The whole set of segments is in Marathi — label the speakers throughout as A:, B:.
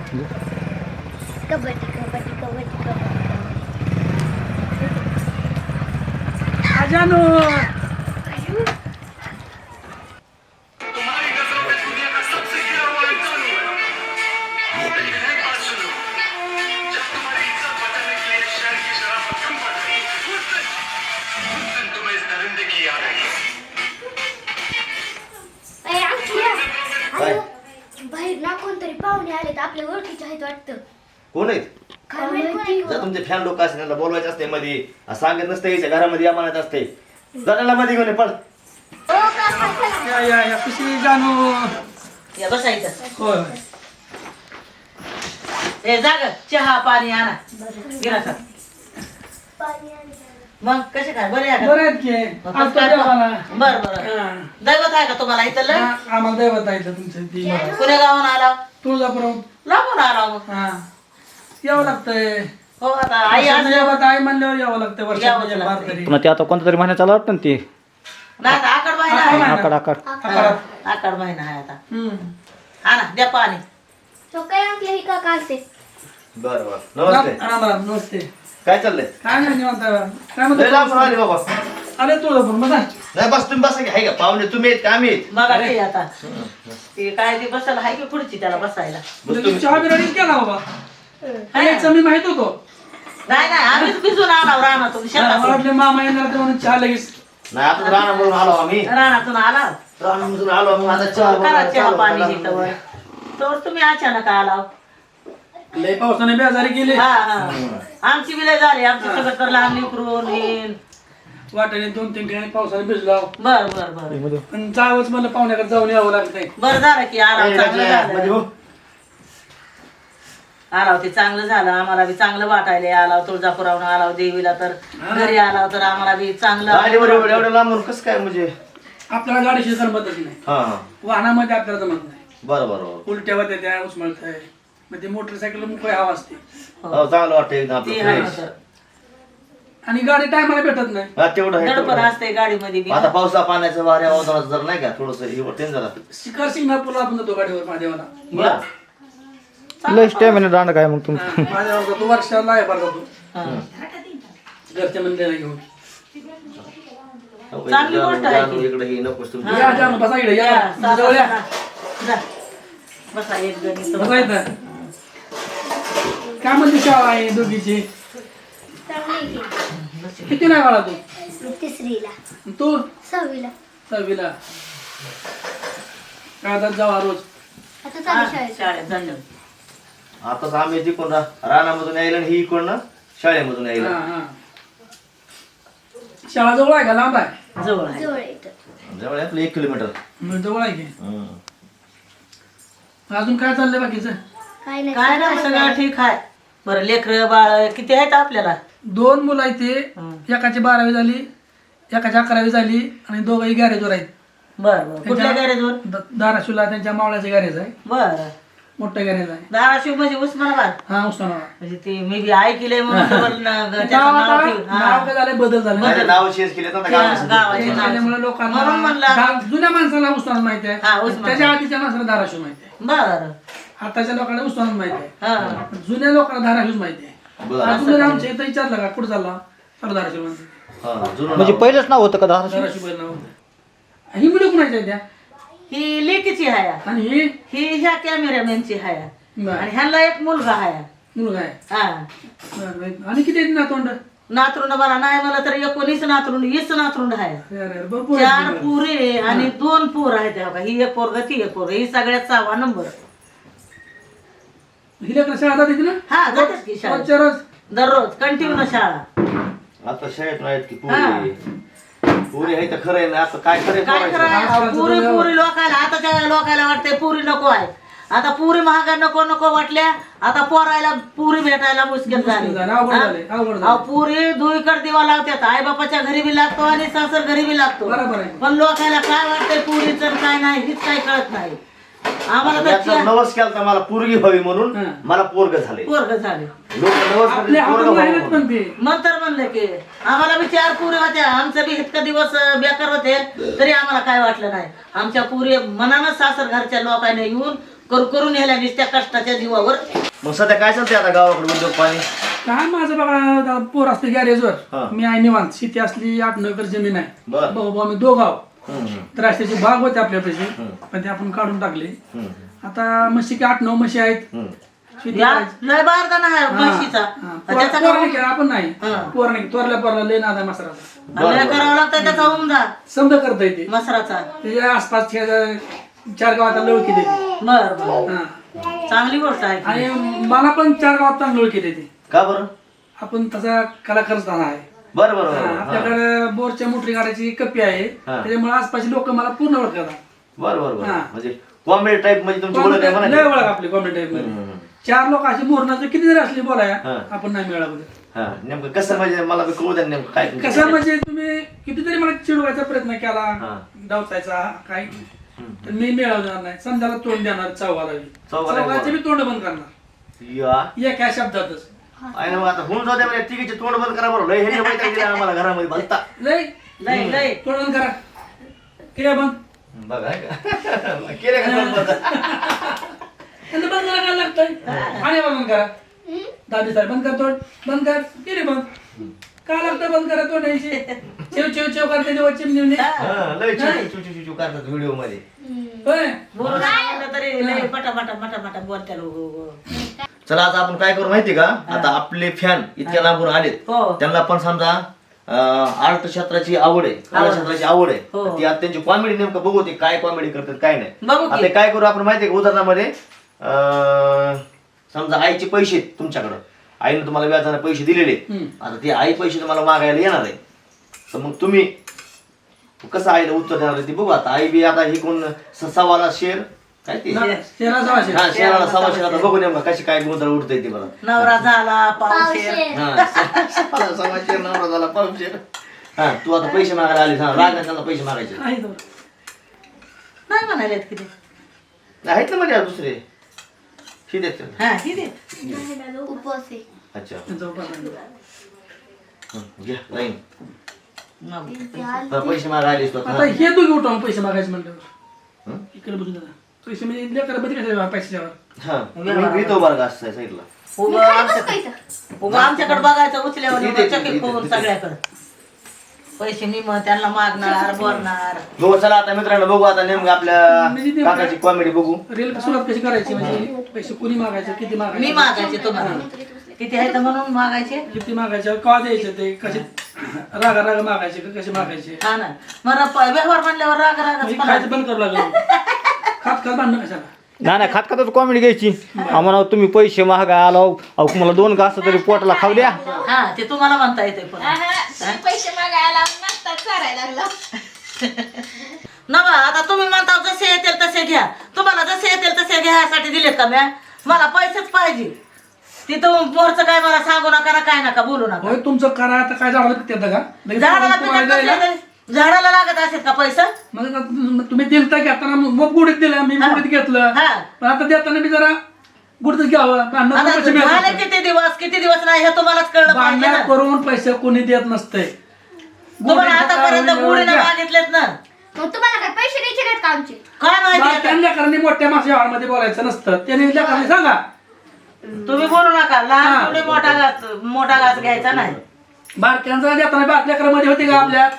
A: कबड्डी कबड्डी कबड्डी कबड्डी
B: अजानो
A: बाहेर ना कोणतरी पाहुणे आले तर आपल्या ओळखीचे आहेत वाटतं.
C: कोण आहेत?
A: काय माहित कोण आहे?
C: जर तुमचे फॅन लोक असतील त्यांना बोलवायचं असते मध्ये सांगत नसते याच्या घरामध्ये या म्हणायचं असते जणाला मध्ये घेऊन ये, पळ.
A: ओ काका चला.
B: या कशी जानू
D: या बसायचं.
B: होय
D: ए जाग चहा पाणी आणा गिरासात.
A: पाणी आणि
D: मग कसे काय बरे आहे
B: बरं
D: का?
B: आहेत की
D: मग
B: आज
D: काय
B: देवाला
D: बर बर दैवत आहे का तुम्हाला इथलं?
B: आम्हाला दैवत आहे इथं तुमचं ती मला.
D: कुण्या गावाहून आला?
B: तुळजापुरम
D: लांबून आला मग.
B: हा यावं लागतंय
D: हो आता आई असल्यावर
B: दैवत आहे म्हणल्यावर यावं लागतंय
D: यावंच
B: वर्षात
D: लागतंय.
B: बार तरी
E: पुन्हा ते आता कोणता तरी महिना चालू वाटतं ना ते
D: नाही आता आकड महिना आहे.
B: महिना.
E: आकार
D: हा, आकड महिना आहे आता. आणा द्या पाणी.
A: तो काय आपले ही काका आलते.
C: बरं बरं नमस्ते
B: राम राम नमस्ते
C: काय चाललंय?
B: काय नाही निवांत आहे. काय
C: लय लांबून
B: म्हणतो
C: आले बाबा.
B: आले तुळजापूर बघा
C: नाही बस तुम्ही बसा की आहे का पाहुणे तुम्ही आहेत का आम्ही आहेत?
D: बघा ते आता ते काय ते बसायला हाय की खुर्ची त्याला बसायला.
C: बस तुम्ही
B: चहा बिराडी केला बाबा यायचं मी माहित होतो
D: नाही नाही आम्हीच भिजून आणाव रानातून
B: मला
D: शेतातून.
B: वाटलं मामा येणार तर म्हणून चहा लगेच
C: नाही आता राणा बोलून आलो आम्ही
D: रानातून आला
C: राणामधून आलो मग आता चहा
D: करा
C: बनवायला
D: चहा
C: चालू
D: पाणी
C: केला.
D: घेतवर तर तुम्ही अचानक आला.
B: लय पावसाने बेजारी केली
D: हा हा आमची विलय झाली आमची सगळं तर लहान लेकरून येईन.
B: वाटाने 2-3 ठिकाणी पावसाने भिजला
D: बर बर बर
B: पण जावंच मला पाहुण्याकडे जाऊन यावं लागतंय
D: बर झालं की आराम
C: ए,
D: चांगलं
C: राजा, मध्ये
D: झालं.
C: हो.
D: आलाव ते चांगलं झालं आम्हाला बी चांगलं वाटायला आलाव तुळजापुरावून आलाव देवीला तर घरी आलाव तर आम्हाला बी चांगलं
C: गाडीवर एवढं लांबून कसं काय म्हणजे
B: आपल्याला गाडीशी जमतच नाही
C: हा हा
B: वाहनामध्ये आपल्याला जमत नाही
C: बरं बरं बरं.
B: उलट्या होत्या त्या उचमळत आहे मग ते मोटरसायकल मोकळी हवा असते
C: हो चांगलं वाटतं एकदम आपलं
D: ते आहे
C: fresh.
D: तर.
B: आणि गाडी टायमाला भेटत नाही
C: हा तेवढं आहे, तेवढं
D: दडपण
C: आहे.
D: असते गाडीमध्ये बी.
C: आता पावसा पाण्याचं वाऱ्या वादळाचं जर नाही का थोडस हे वाटेल जरा
B: शिखर सिंगणापूरला आपण जातो गाडीवर महादेवाला
C: बरं.
E: लय स्टॅमिना दांड काय मग तुमचं
B: महादेवाला जातो वर्षाला आहे बरं जातो
D: हा.
B: घरच्या मंदिराला घेऊन
C: हो,
D: चांगली
C: इकडं
D: गोष्ट आहे
C: जाणं,
D: की.
C: इकडं हे नकोच तुमचं.
B: या जाणं बसा इकडे या
D: या,
B: तुमच्या जवळ या.
D: जा. बसा एक जण इथं
B: बसा इथं. काय म्हणते शाळा आहे दोघीची
A: चांगली की.
B: किती नाही बाळा तू
A: मी तिसरीला
B: तू
A: 6वीला.
B: 6वीला काय आता जावा रोज
A: आता
D: हा,
A: चालू शाळेत.
D: शाळेत जायचं.
C: आताच आम्ही तिकडून रानामधून यायला आणि ही इकडनं शाळेमधून
B: हा
C: यायला
B: हा शाळा जवळ आहे का लांब आहे
D: जवळ आहे.
A: जवळ येतं.
C: जवळ आहे आपलं 1 किलोमीटर
B: मग जवळ आहे की अजून काय चाललंय बाकीचं
A: काय नाही.
D: काय नाही सगळं ठीक आहे. बरं लेकर बाळ किती आहेत आपल्याला?
B: 2 मुलं आहेत ते
D: हं.
B: एकाची 12वी झाली एकाची 11वी झाली आणि दोघंही गॅरेजवर आहेत
D: बर बर कुठल्या गॅरेजवर?
B: धाराशिवला त्यांच्या मावळ्याचं गॅरेज आहे
D: बर
B: मोठं गॅरेज आहे
D: धाराशिव म्हणजे उस्मानाबाद
B: हा उस्मानाबाद
D: म्हणजे ते मी बी ऐकलंय म्हणून डबल त्याचं
B: नाव
D: नाव
B: आता-
D: ठेवून. हा.
B: नाव काय झालंय बदल झाला
C: माझे नाव चेंज केले तर आता गावाचं
D: गावाचे
C: नाव.
D: नाव.
B: त्यामुळे लोकांना
D: म्हणून म्हणलं.
B: जुन्या माणसाला उस्मानाबाद माहिती
D: हा,
B: आहे
D: उस्मानाबाद.
B: त्याच्या आधीच्या माणसाला धाराशिव माहिती आहे
D: बर
B: आताच्या लोकांना उस्मानाबाद माहिती आहे
D: हा
B: जुन्या लोकांना धाराशिव माहिती आहे
C: बरं.
B: अजून आमच्या इथं विचारलं का कुठं चालला तर धाराशिव माहिती
C: हा, जुनं
E: म्हणजे
C: नाव.
E: पहिलंच नाव होतं का धाराशिव?
B: धाराशिव बैल नाव ही मुलं कुणाच्या आहेत त्या
D: ही लेकीची हाया
B: आणि ही
D: ही ह्या कॅमेरामॅनची हाया
B: बरं.
D: आणि ह्यांना एक मुलगा हाया
B: मुलगा आहे
D: हा
B: बरं, बरं. आणि किती आहेत नातवंड
D: नातरुंड मला नाही मला तर 19 नातरुंड 20 नातरुंड आहे.
B: अरे, भरपूर
D: 4
B: आहेत मुलं.
D: पुरे आणि 2 पोर आहेत त्या बघा. ही एक पोरग ती एक पोरग ही सगळ्यात 6वा नंबर.
B: हिला कसं शाळा जाते ना
D: हा जातात की शाळेत
B: रोजच्या रोज
D: दररोज कंटिन्यू शाळा.
C: आता शाळेत नाहीत की पुरी पुरी आहे तर खरं आहे ना आता काय खरं
D: काय
C: आहे
D: करायला पुरी पुरी लोकायला आताच्या लोकायला वाटतंय पुरी नको आहे. आता पुरी महागा नको नको वाटल्या आता पोरायला पुरी भेटायला मुश्किल झाली.
B: झालं, अवघड झालंय, अवघड झालंय.
D: अहो, पुरी दुईकडे दिवा लावतात आई बापाच्या घरी बी लागतो आणि सासर घरी बी लागतो.
B: बरोबर आहे.
D: पण लोकायला काय वाटतंय पुरीचं काय नाही हीच काय कळत नाही आम्हाला तर
C: नवस केला तर मला पोरगी व्हावी म्हणून
B: हा.
C: मला पोरग झाले
D: पोरग झाले.
C: लोक नवस
B: आपल्या
C: करतात, पोरगं
B: हातात
C: व्हावं
B: राहिलेत पण
C: म्हणून.
B: ते
D: नंतर म्हणलं की आम्हाला बी 4 पुरी होत्या आमचं बी इतका दिवस बेकार होते तरी आम्हाला काय वाटलं नाही. आमच्या पुरी मनानं सासर घरच्या लोकांनी येऊन करून नेल्या नुसत्या कष्टाच्या जीवावर
C: मग सध्या काय चालतंय आता गावाकडे उद्योग पाणी?
B: काय माझं बघा आता पोर असते गॅरेजवर,
C: हा.
B: मी आहे निवांत. शेती असली 8-9 एकर जमीन आहे.
C: बर.
B: भाऊ आम्ही दोघाव.
C: हम्म.
B: द्राक्षाची बाग होते आपल्यापाशी, पण ते आपण काढून टाकले. आता म्हशी 8-9 म्हशी आहेत. शेती
D: या
B: करायची.
D: लय बारदाना आहे म्हशीचा
B: हा.
D: त्याचा
B: पोरं नाही केलं, आपण नाही.
D: हा.
B: पोर नाही, तोरल्या पोरला लय नाद आहे मसराचा.
D: लय करावं लागतं त्याचा उमदा
B: समजा करता येते.
D: मसराचा.
B: त्याच्या आसपास 4 गावात ओळखी देते.
D: बर बर
B: हा.
D: चांगली गोष्ट आहे
B: आणि मला पण 4 गावात चांगली ओळखी देते.
C: का बरं?
B: आपण तसा कलाकारच आहे.
C: बरं बरं
B: हा,
C: बरं. हा.
B: आपल्याकडे बोरच्या मोटरी काढायची कप्पी आहे, त्याच्यामुळे आसपासची लोक मला पूर्ण ओळखतात.
C: बरं बरं बरं.
B: हा.
C: म्हणजे कॉमेडी टाईप म्हणजे तुमची ओळख आहे
B: लय
C: म्हणा.
B: ओळख आपली कॉमेडी टाईप मध्ये. 4 लोक अशी मोरणाचं किती जरी असली बोलाया, आपण नाही मिळालं.
C: हा नेमकं कसं म्हणजे मला बी कळू द्या नेमकं काय तुमचं.
B: कसं म्हणजे तुम्ही कितीतरी मला चिडवायचा प्रयत्न केला,
C: हा.
B: डावचायचा काय, तर मी मिळवणार नाही. समजायला तोंड देणार चौघाला,
C: चौघाला
B: चौघाचे बी तोंड बंद करणार
C: या
B: एका शब्दातच.
C: आहे ना मग आता होऊन जाऊ द्या म्हणजे तिघीचे तोंड बंद करा बरं. लय ह्याने माहिती दिला आम्हाला घरामध्ये भलता.
B: लय
D: लय लय
B: तोंड बंद करा. केलं बंद?
C: बघा आहे का? केले का तोंड बंद?
B: त्यांचं बंद करा काय लागतंय? आणि बंद करा. दादी साहेब बंद कर तोंड, बंद कर. केली बंद. काय लागतं बंद करा तोंड यायची? चेव चेव चेव करते जेव्हा चिमणी.
C: हा, लय चुचू करतात व्हिडिओ मध्ये.
B: होय.
D: बोलू म्हणलं तरी लय पटापटा पटापटा बोलत्या लोक.
C: चला आता आपण काय करू माहिती का? आता आपले फॅन इतक्या लांबून आलेत,
D: हो.
C: त्यांना पण समजा आर्ट क्षेत्राची आवड आहे, कला क्षेत्राची आवड आहे.
D: हो.
C: ती आता त्यांची कॉमेडी नेमकं बघू ते काय कॉमेडी करतात काय नाही.
D: बघू की.
C: आता काय करू आपण माहितीये का? उदाहरणामध्ये समजा आईचे पैसे आहेत तुमच्याकडं, आईने तुम्हाला व्याजाने पैसे दिलेले. आता ती आई पैसे तुम्हाला मागायला येणार आहे, तर मग तुम्ही कसं आईला उत्तर देणार आहे ते बघू. आता आई बी आता ही कोण सवाला शेर काय ते
B: शेरा सवाशे.
C: हा शेराला सव्वा शेर. आता बघू नेमका कशी काय गोंधळ उडतंय ते बघा.
D: नवरा झाला पावशेर.
C: हा सव्वा शेर नवरा झाला पाऊस शेर. हा तू आता पैसे मागायला आली, हा राग त्यांना पैसे मागायचे
B: आहे तो.
D: नाही म्हणालेत किती.
C: आहेत ना म्हणजे दुसरे ही देत.
D: हा ही दे.
A: उपवास आहे.
C: अच्छा
B: त्यांचा उपास आहे.
C: घ्या लाईन.
A: ते आले.
C: पैसे मागायला आलीस तू
B: आता
C: आता.
B: हे दोघे उठवून पैसे मागायचे म्हणल्यावर
C: हं?
B: इकडे बघू दादा. पैसे म्हणजे लेकर मध्ये कसे पैशावर.
C: हा मी तो बरं का असं साईडला.
D: उभं आमच्याकडे बघायचं उचल्यावर चकीत होऊन सगळ्याकडे. पैसे मी मग त्यांना मागणार बोलणार.
C: बघू चला आता मित्रांनो बघू आता नेमकं आपल्या
B: म्हणजे ते
C: काकाची कॉमेडी बघू.
B: रेल सुरुवात कशी करायची, म्हणजे पैसे कोणी मागायचे, किती मागायचे,
D: मी मागायचे तुम्हाला किती आहे तर म्हणून मागायचे.
B: किती मागायचे, का द्यायचे, ते कसे रागा रागा मागायचे का कसे मागायचे.
D: हा ना मग व्यवहार म्हणल्यावर राग
B: म्हणजे
D: राग
B: खायचं बंद करू लागलं. खात खात भांडणं कशाला.
E: नाही खात खातच कॉमेडी घ्यायची. आम्हाला तुम्ही पैसे महागा आलो, अहो मला 2 घास तरी पोटाला खाऊ द्या.
D: हा ते तुम्हाला म्हणता येते पण
A: पैसे मागायला नाश्ता करायला लागला.
D: नवा आता तुम्ही म्हणता जसे येतील तसे घ्या. तुम्हाला जसे येतील तसे घ्यायसाठी दिलेत का म्या? मला पैसेच पाहिजे. तिथं मोरचं काय मला सांगू नका ना काय नका बोलू नका.
B: होय तुमचं करा. आता काय झालं ते का लगेच
D: झाडाला
B: तुम्हाला
D: पिकत
B: द्यायला.
D: नसले तरी झाडाला लागत असेल का पैसा?
B: मग आता तुम्ही दिलता घेताना मग गुडीत दिलं, मी गुडीत घेतलं.
D: हा.
B: पण आता देताना मी जरा गुडीतच घ्यावं. भांडणं
D: आता
B: पैसे
D: झाले
B: मिळतात.
D: किती दिवस नाही हे तुम्हालाच कळलं पाहिजे
B: भांडण
D: ना.
B: करून पैसे कोणी देत नसते.
D: तुम्हाला आतापर्यंत गुढीने मागितलेत ना.
A: मग तुम्हाला काय पैसे द्यायचे नाहीत का आमचे?
D: काय माहिती आता?
B: त्या लेकरांनी मोठ्या माणसा व्यवहारमध्ये बोलायचं नसतं. त्याने लेकरांनी सांगा.
D: तुम्ही बोलू नका. लहान थोडी मोठा घास घ्यायचा नाही.
B: बारक्यांचा देताना बारक्या लेकरांमध्ये होते का आपल्यात?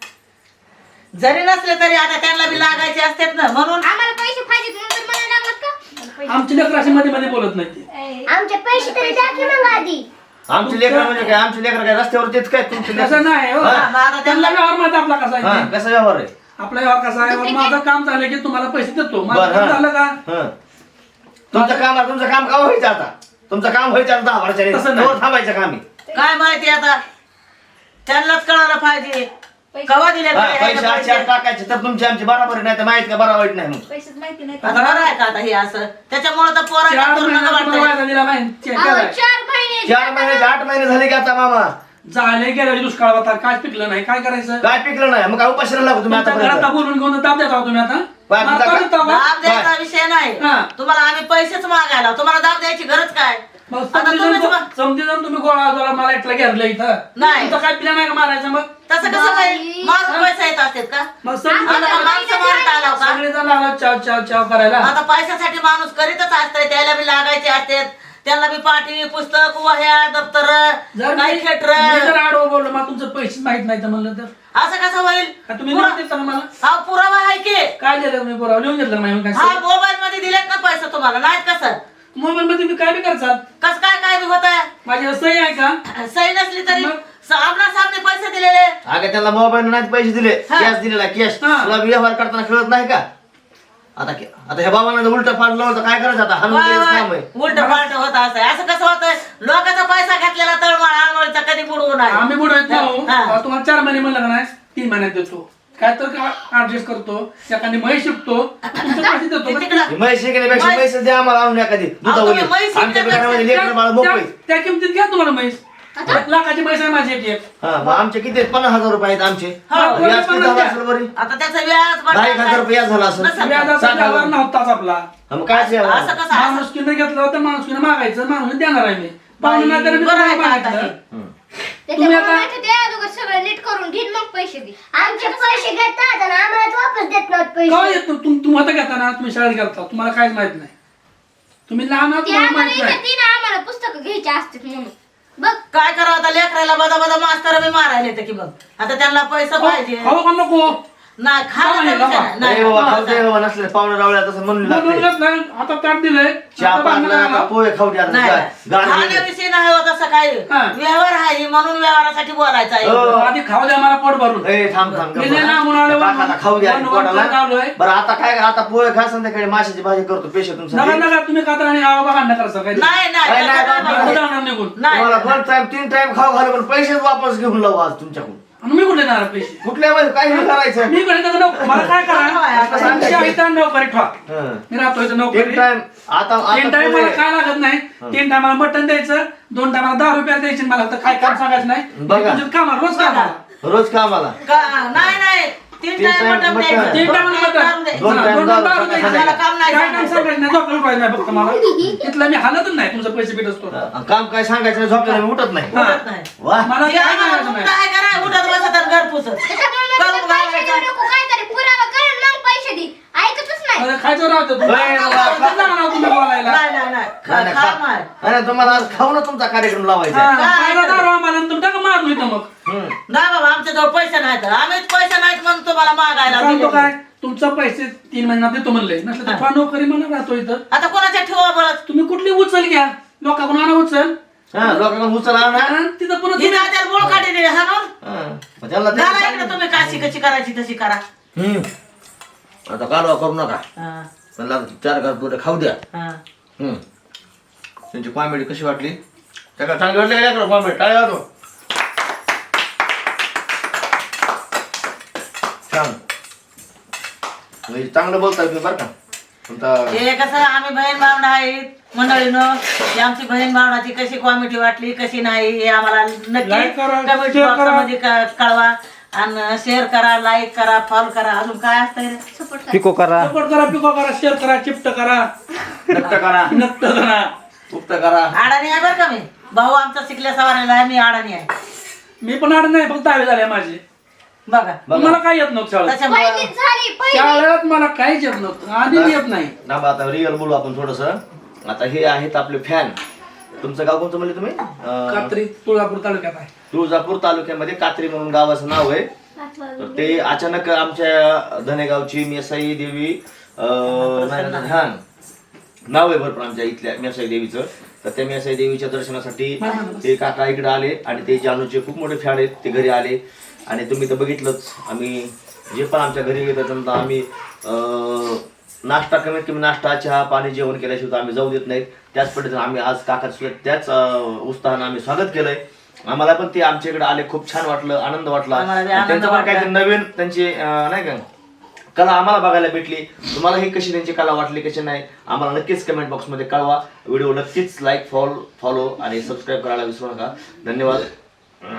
D: जरी नसले तरी आता त्यांना बी लागायचे असतात ना म्हणून.
A: आम्हाला पैसे पाहिजेत म्हणून तर मला लागत का?
B: आमची लेकर अशी मध्ये मध्ये बोलत नाही ते.
A: आमचे पैसे तरी द्या की मग आधी.
C: आमचे लेकर म्हणजे काय? आमचे लेकर काय रस्त्यावर तेच काय तुमचे लेकरं?
B: तसं नाही हो.
C: हा.
D: मग आता
B: त्यांना व्यवहार माहिती आपला कसा आहे
C: हा
B: ते.
C: कसा व्यवहार आहे?
B: आपला व्यवहार कसा आहे, माझं काम झालं की तुम्हाला पैसे देतो. माझं
C: बरं,
B: काम
C: हा.
B: झालं का
C: हं. तुमचं काम का व्हायचं आता? तुमचं काम व्हायचं आता 10 वर्षांनी.
B: तसं नाही.
C: तेव्हा थांबायचं काम आहे.
D: काय माहिती आता त्यांनाच कळायला पाहिजे कवा दिले
C: हा, पैसे आजच्या आज टाकायचे तर तुमची आमची बराबर नाही तर माहित का बरा वाईट नाही मग.
A: पैसेच माहिती नाही.
D: आता बरं आहे का आता हे असं त्याच्यामुळे तर
B: 4
D: पोरांना
B: महिन्यात तुम्हाला
D: वाटतं.
B: वायदा दिला माहिती
A: अहो,
B: केलाय.
A: 4 महिने
C: 4 महिने 8 महिने झाले की आता मामा
B: झाले गेल्या दुष्काळ होता, काय पिकलं नाही, काय करायचं.
C: काय पिकलं नाही मग काय उपाशी लागू तुम्ही
B: तुमच्या घरात
C: आता
B: बोलून घेऊन ताप देता हो तुम्ही आता.
C: काय
B: मला
C: पिता
B: ताप
C: का?
B: देता का?
D: दाब द्यायचा विषय नाही.
B: हा.
D: तुम्हाला आम्ही पैसेच मागायला तुम्हाला दाब द्यायची गरज काय?
B: मग
D: आता तुम्हीच
B: समजी जाऊन तुम्ही गोळा झाला मला एकला घेरलं इथं.
D: नाही.
B: तुमचं काय पिल्या नाही का मारायचं मग.
D: तसं कसं काय मारून पैसा येत असतात का?
B: मग समजून
D: आता का माणसं मारत आला का?
B: सगळे जण लागला चाव चाव चाव करायला.
D: आता पैशासाठी माणूस करीतच असतंय त्याला बी लागायचे असतात त्याला बी पाठी पुस्तक वह्या दप्तर
B: जर
D: काही
B: मी
D: खेटर
B: जर आडवं बोललो मला तुमचं पैसेच माहित नाही तर म्हणलं तर
D: असं कसं होईल
B: का तुम्ही लिहून देता का मला
D: हा पुरावा आहे की
B: काय दिलं मी पुरावा लिहून घेतलं नाही
D: हा
B: काय
D: मोबाईल मध्ये दिलेत ना पैसे तुम्हाला नाहीत कसं
B: मोबाईल मध्ये मी काय बी करतात
D: कस काय बी होत
B: माझी सही आहे का
D: सही नसली तरी
B: मग?
D: आमना सामने पैसे दिलेले
C: अगं त्याला मोबाईल नाही पैसे दिले
D: हा.
C: कॅश दिलेला कॅश
B: हा.
C: तुला व्यवहार करताना कळत नाही का आता ह्या बाबांना उलट फाड लावलं तर काय करायचं आता हाणून द्यायचं काम आहे
D: उलट पालट होत असं कसं होतंय लोकांचा पैसा घातलेला तळमळ आळमळीचा कधी बुडवू नाही
B: आम्ही बुडवत नाही
D: हा.
B: तुम्हाला 4 महिने म्हणलं का नाही 3 महिन्यात देतो काय तर ऍडजस्ट करतो एखादी म्हैस शिकतो तुमचं पैसे देतो
D: ते तिकडं
C: म्हैस शिकण्यापेक्षा
D: म्हैस-
C: म्हैस द्या आम्हाला आणून एखादी दुधावली
D: तुम्ही म्हैस
C: आमच्या
D: शिकण्यापेक्षा
C: घरामध्ये लेकरं बाळ मोकळी
B: त्या किमतीत घ्या तुम्हाला म्हैस 1 लाखाची म्हैस आहे माझी एक
C: हा मग आमचे किती 50,000 रुपये आहेत आमचे
D: हा,
C: व्याज किती झालं असेल बरी
D: आता त्याचं व्याज
C: 10,000 रुपये व्याज झाला असेल
D: नसेल.
B: व्याजाचा व्यवहार नव्हताच आपला
C: हा, मग काय द्यावं?
D: असं कसं
B: माणुसकीनं घेतलं होतं माणुसकीनं मागायचं माणूस देणार आहे मी पाहुणे नाही तर मी
D: बरं आहे
B: तुम्हाला
D: का आता
B: मागितलं.
D: हे?
C: हम्म.
B: तुम्ही आता-
A: त्याच्यामुळे ते अगोदर सगळं नीट करून घेईन मग पैसे दे आमचे पैसे घेतात आणि आम्हाला वापस देत नाहीत
B: काय
A: पैसे
B: येत तुम्ही आता घेताना तुम्ही शाळेत घालता तुम्हाला काहीच माहित नाही तुम्ही लहान आहात
A: ते
B: तुम्हाला
A: आम्हाला
B: माहित नाही
A: येते ना आम्हाला पुस्तकं घ्यायची असतात म्हणून बघ
D: काय करावं आता लेकराला बदा मास्तर बी मारायला येते की बघ आता त्यांना पैसा पाहिजे
B: खाऊ का नको
D: नाही खायला
B: नाही,
D: तर विचार
B: बाबा.
D: नाही.
C: नाही बाबा खाऊ दे बाबा नसले पाहुणे रावळे तसं म्हणून लागते
B: बोलवलंच नाही आता ताट दिलंय
C: चहा
B: आता भांडणं
C: पाजला
B: लागला.
C: का पोहे खाऊ द्या
D: नाही, नाही.
C: गाडी
D: खाण्याविषयी नाही होत असं काही
B: हा.
D: व्यवहार आहे म्हणून व्यवहारासाठी बोलायचं आहे
C: हो.
B: आधी खाऊ द्या मला पोट भरून
C: ए थांब थांब
B: मी नाही लांबून आलो,
C: काकाला खाऊ द्या
B: वन- वन-
C: पोटाला.
B: वन लावलोय.
C: बरं आता काय आता पोहे खा संध्याकाळी माशाची भाजी करतो पेशे
B: नका
C: तुमचा
B: नका तुम्ही खाता आणि आवा भांडणं करसा काय
D: नाही नाही
C: नाही, नाही,
D: तसं
C: नाही,
D: नाही.
B: जाणार निघून
D: नाही
C: तुम्हाला 1 टाइम 3 टाइम खाऊ घालू पण पैसेच वापस घेऊन लावू आज तुमच्याकडून
B: आणि मी कुठे देणार पैसे
C: कुठल्या मध्ये काय नाही करायचं
B: मी कुठे देणार नको. मला काय करा
D: आता
B: आमच्या इथं नोकरी ठेवा
C: हं.
B: मी राहतो इथं
C: 3
B: नोकरी
C: टाइम आता
B: 3 टाइम
C: पोहे-
B: मला काय लागत नाही 3 टायमाला मटण द्यायचं 2 टायमाला 10 रुपये द्यायचे मला तर काय काम सांगायचं नाही
C: बघा.
B: तुझं कामाला रोज कामाला
C: रोज कामाला
D: नाही नाही 3
C: तीन
D: टाइम
C: time
D: मटण
C: मटण.
D: द्यायचं.
B: 3 टायमाला
D: दोन time दारू
B: मटण
D: द्यायचं.
C: दोन time दारू
B: दारू द्यायचं.
C: सांगायचं.
D: मला काम नाही
B: काय काम
D: सांगायचं.
B: सांगायचं नाही झोपलं उठवायचं नाही फक्त मला इथलं मी हालतच नाही तुमचं पैसे भेट असतो
C: काम काय सांगायचं नाही, झोपल्याला मी उठत नाही
D: उठत नाही.
C: वा
B: मला
D: हे
B: काय
D: आम्हाला
B: सांगायचं
D: उठत
B: नाही
D: आहे का नाही? उठत बसत आणि घर पुसत.
A: त्याच्यामुळे
D: करून
A: म्हणलं पैसे
D: घालायचं.
A: देऊ नको काहीतरी पुरावा कर आणि मग पैसे दे ऐकतच नाही
B: अरे खायचं राहतं तू.
C: होय बाबा,
B: कसं जाणार तुम्ही बोलायला
D: नाही नाही नाही
C: नाही, नाही,
D: खा
C: खा.
D: मार.
C: नाही, तुम्हाला आज खाऊन तुमचा कार्यक्रम लावायचा आहे.
B: हा, पहिला दारू आम्हाला आणि तुमच्या का मारून इथं मग
C: हं.
D: नाही बाबा आमच्याजवळ पैसे नाहीत आम्हीच पैसे नाहीत म्हणून तुम्हाला मागायला
B: सांगतो
D: दिले.
B: काय तुमचं पैसे 3 महिन्यात देतो म्हणले नसलं तर ठेवा नोकरी म्हणून राहतो इथं
D: आता कोणाच्या ठेवा बळत
B: तुम्ही कुठली उचल घ्या लोकांकडून आणा उचल
C: हा, लोकांकडून उचला ना
B: आणि तिथं पुन्हा
D: ही त्याला बोळ काढी दिली हाणून
C: हं. मग त्यांना ते
D: झाला इकडे तुम्ही काशी कशी करायची तशी करा
C: हं. आता कालवा करू नका
D: हा,
C: त्यांना 4 घास पुढे खाऊ द्या
D: हा.
C: हं. त्यांची कॉमेडी कशी वाटली त्याला चांगली वाटली का कॉमेडी टाळ्या वाजवा. छान म्हणजे चांगलं बोलताय तुम्ही बरं का तुमचा
D: हे कसं आम्ही बहीण भावना आहेत मंडळीनं ही आमची बहीण भावनाची कशी कॉमेडी वाटली कशी नाही हे आम्हाला नक्की
B: Like करा,
D: कमेंट
B: share करा.
D: बॉक्समध्ये कळवा आणि शेअर करा लाईक करा फॉलो करा अजून काय असतंय रे?
A: सपोर्ट कर
E: पिको करा
B: सपोर्ट करा पिको करा शेअर करा चिप्ट करा
C: नक्ट करा
B: नक्ट करा
C: उक्त करा
D: अडाणी आहे बरं का मी भाऊ आमचा शिकल्या सवारीला आहे मी अडाणी आहे
B: मी पण आड नाही फक्त 10वी झाले माझे
D: बघा
B: मला काय येत नव्हतं शाळेत
D: त्याच्यामुळे
A: पहिली झाली पहिली
B: शाळेत मला काहीच येत नव्हतं आधी येत नाही
C: थांबा आता रिअल बोलू आपण थोडस आता हे आहेत आपले फॅन तुमचं गाव कोणतं म्हणले तुम्ही
B: कात्री तुळजापूर तालुक्यात आहे
C: तुळजापूर तालुक्यामध्ये कात्री म्हणून गावाचं नाव आहे तर ते अचानक आमच्या धनेगावची मेसाई देवी हा नाव आहे भरपूर आमच्या इथल्या मेसाई देवीचं तर त्या मेसाई देवीच्या दर्शनासाठी ते काका इकडे आले आणि ते जानूचे खूप मोठे फॅन आहेत ते घरी आले आणि तुम्ही तर बघितलंच आम्ही जे पण आमच्या घरी येतात समजा आम्ही नाश्ता कमीत कमी नाश्ता चहा पाणी जेवण केल्याशिवाय तर आम्ही जाऊ देत नाहीत त्याच पद्धतीने आम्ही आज काकाचं त्याच उत्साहानं आम्ही स्वागत केलंय आम्हाला पण ते आमच्या इकडे आले खूप छान वाटलं आनंद वाटला
D: आम्हाला बी
C: आणि
D: आनंद
C: त्यांचं पण
D: वाटला.
C: काहीतरी नवीन त्यांची नाही का कला आम्हाला बघायला भेटली तुम्हाला ही कशी त्यांची कला वाटली कशी नाही आम्हाला नक्कीच कमेंट बॉक्समध्ये कळवा व्हिडिओ नक्कीच लाईक फॉलो आणि सबस्क्राईब करायला विसरू नका धन्यवाद